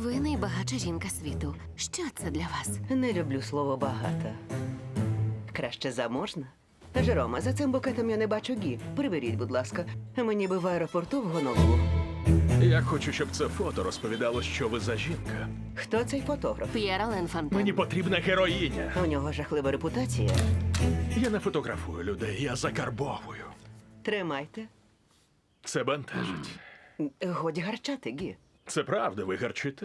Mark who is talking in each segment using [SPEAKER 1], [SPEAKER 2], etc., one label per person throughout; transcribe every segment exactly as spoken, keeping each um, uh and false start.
[SPEAKER 1] Ви найбагатша жінка світу. Що це для вас?
[SPEAKER 2] Не люблю слово багата. Краще заможна. Жерома, за цим букетом я не бачу гі. Приберіть, будь ласка. Мені би в аеропорту в Гонолулу.
[SPEAKER 3] Я хочу, щоб це фото розповідало, що ви за жінка.
[SPEAKER 2] Хто цей фотограф?
[SPEAKER 1] П'єр Ален Фонтен.
[SPEAKER 3] Мені потрібна героїня.
[SPEAKER 2] У нього жахлива репутація.
[SPEAKER 3] Я не фотографую людей, я закарбовую.
[SPEAKER 2] Тримайте.
[SPEAKER 3] Це бентежить.
[SPEAKER 2] Годі гарчати, гі.
[SPEAKER 3] Це правда, ви гарчите.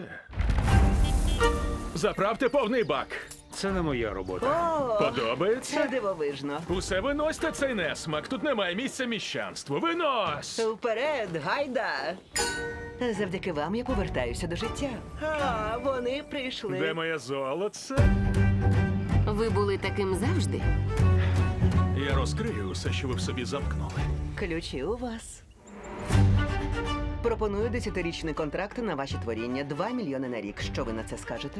[SPEAKER 3] Заправте повний бак.
[SPEAKER 4] Це не моя робота.
[SPEAKER 2] О, це
[SPEAKER 3] Подобається?
[SPEAKER 2] дивовижно.
[SPEAKER 3] Усе виносьте цей несмак. Тут немає місця міщанству. Винось!
[SPEAKER 2] Вперед, гайда! Завдяки вам я повертаюся до життя. А, вони прийшли.
[SPEAKER 3] Де моє золоце?
[SPEAKER 1] Ви були таким завжди?
[SPEAKER 3] Я розкрию усе, що ви в собі замкнули.
[SPEAKER 2] Ключі у вас. Пропоную десятирічний контракт на ваші творіння. Два мільйони на рік. Що ви на це скажете?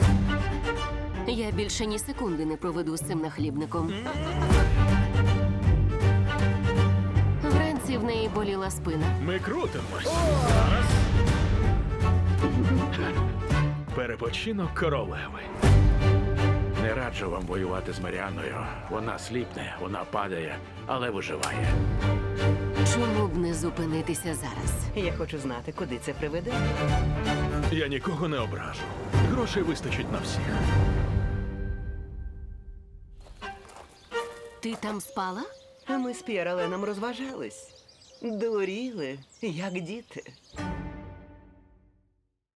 [SPEAKER 1] Я більше ні секунди не проведу з цим нахлібником. Вранці в неї боліла спина.
[SPEAKER 3] Ми крутимось. Перепочинок королеви.
[SPEAKER 4] Не раджу вам воювати з Маріаною. Вона сліпне, вона падає, але виживає.
[SPEAKER 1] Чому б не зупинитися зараз?
[SPEAKER 2] Я хочу знати, куди це приведе.
[SPEAKER 3] Я нікого не ображу. Грошей вистачить на всіх.
[SPEAKER 1] Ти там спала?
[SPEAKER 2] А ми з П'єр Аленом розважались. Дуріли, як діти.